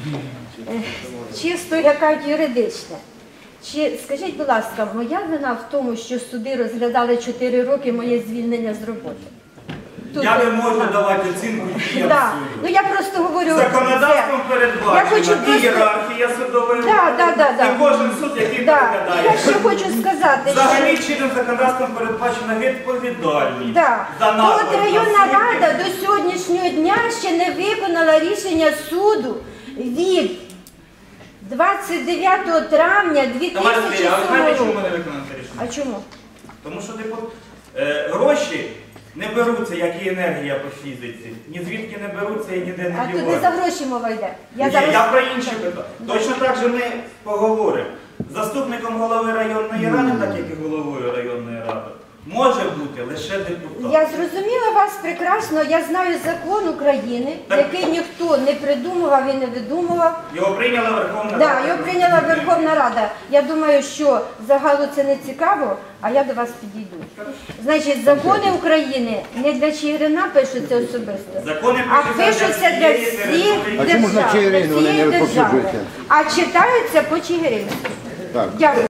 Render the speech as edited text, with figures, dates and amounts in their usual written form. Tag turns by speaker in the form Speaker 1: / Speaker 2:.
Speaker 1: чисто, як кажуть, юридичне. Чи, скажіть, будь ласка, моя вина в тому, що суди розглядали 4 роки моє звільнення з роботи?
Speaker 2: Я не можу давати оцінку діям
Speaker 1: Да.
Speaker 2: суду.
Speaker 1: Ну я просто говорю.
Speaker 2: Законодавством
Speaker 1: Я
Speaker 2: передбачена
Speaker 1: хочу
Speaker 2: і
Speaker 1: просто-
Speaker 2: ієрархія судової
Speaker 1: Да.
Speaker 2: і кожен суд, який
Speaker 1: Да.
Speaker 2: переглядає.
Speaker 1: Я ще хочу сказати,
Speaker 2: Взагалі
Speaker 1: що...
Speaker 2: чинним законодавством передбачена відповідальність
Speaker 1: Да.
Speaker 2: за
Speaker 1: То
Speaker 2: наклад
Speaker 1: от районна
Speaker 2: наслідків.
Speaker 1: рада до сьогоднішнього дня ще не виконала рішення суду від 29 травня
Speaker 2: Товариш Андрій, а ви
Speaker 1: 2007
Speaker 2: знаєте, чому
Speaker 1: року.
Speaker 2: не виконано це рішення?
Speaker 1: А чому?
Speaker 2: Тому що гроші не беруться, як і енергія по фізиці. Ні звідки не беруться і ніде не
Speaker 1: А тут не
Speaker 2: діваються.
Speaker 1: за гроші мова йде.
Speaker 2: Ні, я про інші питання. Точно так же ми поговоримо. Заступником голови районної ради, так як і головою районної ради, може бути лише депутат.
Speaker 1: Я зрозуміла вас прекрасно. Я знаю закон України, який ніхто не придумував і не видумував.
Speaker 2: Його прийняла Верховна
Speaker 1: Да,
Speaker 2: Рада.
Speaker 1: його прийняла Верховна Рада. Я думаю, що загалу це не цікаво, а я до вас підійду. Значить, закони України не для Чигирина пишуться особисто,
Speaker 2: Закони
Speaker 1: а
Speaker 2: пишуться
Speaker 1: пишуться
Speaker 2: для
Speaker 1: для
Speaker 2: всієї
Speaker 1: всіх
Speaker 2: території.
Speaker 3: А чому ж на
Speaker 1: держав,
Speaker 3: Чигирин
Speaker 1: для
Speaker 3: вони не
Speaker 1: всієї держави.
Speaker 3: розповсюджуються?
Speaker 1: А читаються по Чигиринськи.
Speaker 3: Так.
Speaker 1: Дякую.